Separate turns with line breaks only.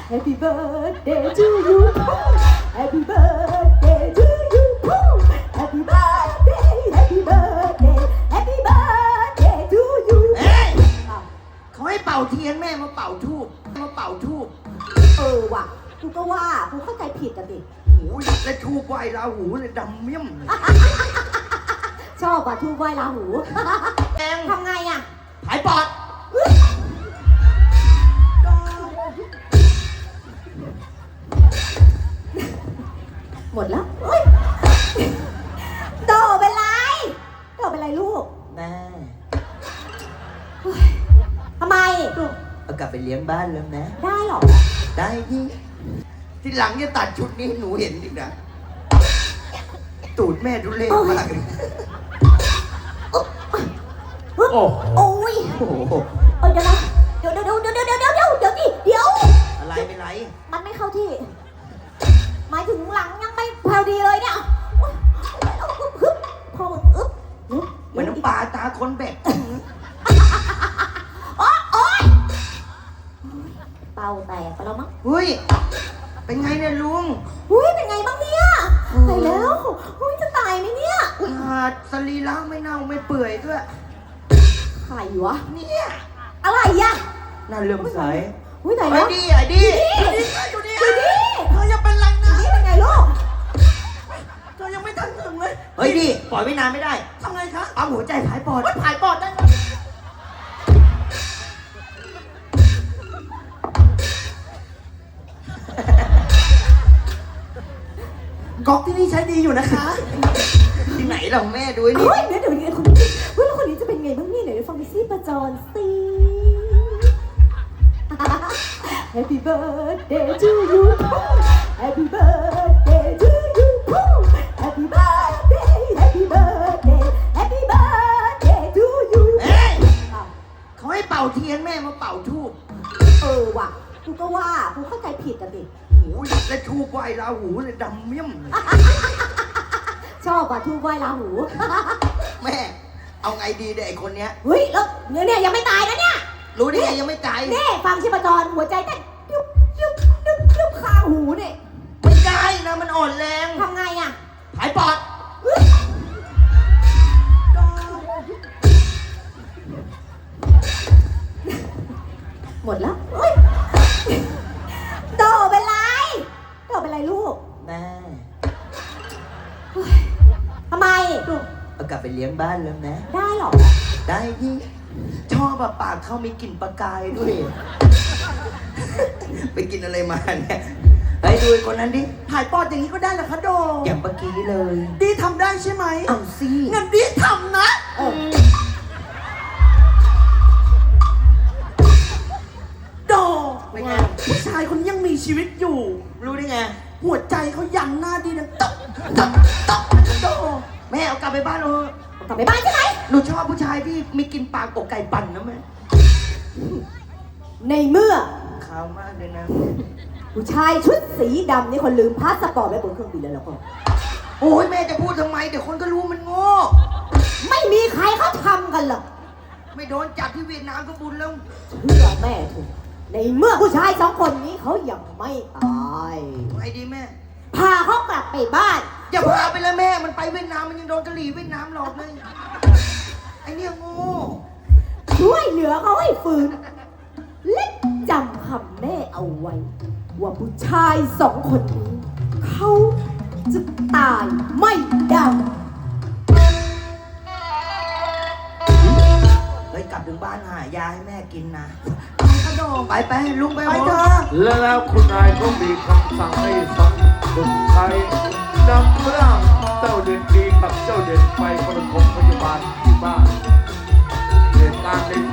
Happy birthday to you Happy birthday to you Happy birthday Happy birthday Happy birthday to you
เอ้ย
อ้าว
เขาให้เป่าเทียนแม่มาเป่าทูบ
ว่ะกูก็ว่ากูเข้าใจผิดอ่ะดิ
โอ้ยแล้วทูบไหวราหูเลยดำเมี่ยมเลย
ชอบว่ะทูบไหว้ราหู
แอง
ทำไงอ่ะ
หายปอด
หมดแล้วเฮ้ยโตเป็นไรลูก
แม่
ทำไม
เอากลับไปเลี้ยงบ้านแล้วนะ
ได้หรอ
ได้ที่ที่หลังจะตัดชุดนี้ให้หนูเห็นดินะตูดแม่ดูเล่ห์มากเลย
โอ้
โอ้ย
โอ้โห
เดี๋ยวนะเดี๋ยว
อะไรเป็นไร
มันไม่เข้าที่ หมายถึงหลังยังไม่พอดีเลยเนี่ยพออึ๊บ
เหมือนน้ำปลาตาคนแบก
โอ๊ยเป่าแตกไปแล้วมั้ง
เฮ้ยเป็นไงเนี่ยลุง
อุ้ยเป็นไงบ้างเนี่ยตายแล้วอุ้ยจะตายไหมเนี่ย
หาดสรีระไม่เน่าไม่เปื่อยด้วย
ใครวะ
เนี่ย
อะไรอ่ะ
น่าเลื่อมใส
อุ้ยตาย
ไอ้
แล้ว
ดีไอ้ดีอยู่นี่เธอยังเป็นไรนะ
นี่เป็นไงลูก
เธอยังไม่ทันถึงเลยเฮ้ยดีปล่อยไว้นานไม่ได้ทำไงคะปั๊มหัวใจผายปอดผายปอดได้ไหม
ก๊อกที่นี่ใช้ดีอยู่นะคะ
ที่ไหนเราแม่ดูไอ้นี่
เฮ้ยเดี๋ยวคนนี้เฮ้ยแล้วคนนี้จะเป็นไงบ้างเนี่ยเดี๋ยวฟังไปซิประจอนสิ Happy birthday to you Happy birthday to you Happy birthday Happy birthday Happy birthday to you
เอ้ย
อ้าว
เขาให้เป่าเทียนแม่มาเป่าทูบ
ว่ะกูก็ว่ากูเข้าใจผิดอ่ะดิ
โอ้ยแล้วทูบไหวราหูเลยดำเมี่ยมเลย
ชอบว่ะทูบไหว้ราหู
แม่เอาไงดีเนี่ยไอ้คนเนี้ย
เฮ้ยแล้วเนี่ยยังไม่ตายนะเนี่ย
รู้ได้ไงยังไม่ตาย
นี่ฟังชีพจรหัวใจเต้นยุบข้างหูเนี่ย
ไม่ได้นะมันอ่อนแรง
ทำไงอ่ะ
ผายปอด
หมดแล้วเฮ้ยโตเป็นไรลูก
แม่
ทำไม
เอากลับไปเลี้ยงบ้านแล้วนะ
ได้หรอ
ได้ที่ชอบแบบปากเขามีกลิ่นปลากายด้วย ไปกินอะไรมาเนี่ยไปดูไอ้คนนั้นดิ
ถ่ายปอดอย่างนี้ก็ได้เหรอคะโด
อย่างเมื่อกี้เลย
ดีทำได้ใช่ไหม
เอาสิ
งั้นดีทำนะ โด
เป็นไง
ผู้ชายคนนี้ยังมีชีวิตอยู่
รู้ได้ไง
หัวใจเขายังหน้าดีนะตบตบตบโด
แม่เอากลับไปบ้านเราเถอะ
กลับไปบ้านใช่ไหม
หนูชอบผู้ชายที่มีกลิ่นปากอกไก่ปั่นนะแม่
ในเมื่อ
ขาวมากเลยนะ
ผู้ชายชุดสีดำนี่คนลืมพาสปอร์ตไว้บนเครื่องบินแล้วล่ะก็
โอ้ยแม่จะพูดทำไมเดี๋ยวคนก็รู้มันโง่
ไม่มีใครเขาทำกันหรอก
ไม่โดนจับที่เวียดนามก็บุญแล้ว
เชื่อแม่ถูกในเมื่อผู้ชายสองคนนี้เขายังไม่ตาย
ไงดีแม่
พาเขากลับไปบ้าน
อย่าพาไปเลยแม่ มันไปเวียดนามมันยังโดนกะหรี่เวียดนามหลอกเลย ไอเนี่ยโง่
ช่วยเหลือเขาให้ฟื้นและจำคำแม่เอาไว้ ว่าผู้ชายสองคนนี้ เขาจะตายไม่ได้
เฮ้ยกลับถึงบ้านหายาให้แม่กินนะ
กระโดด
ไปลุงไป
ไป
หม
เถ
ด
อะ
แล้วคุณนายก็มีคำสั่งให้สังสุดไทยนำร่างเจ้าเด่นดีกับเจ้าเด่นไปประถมพยาบาลที่บ้านเหตุการณ์ใน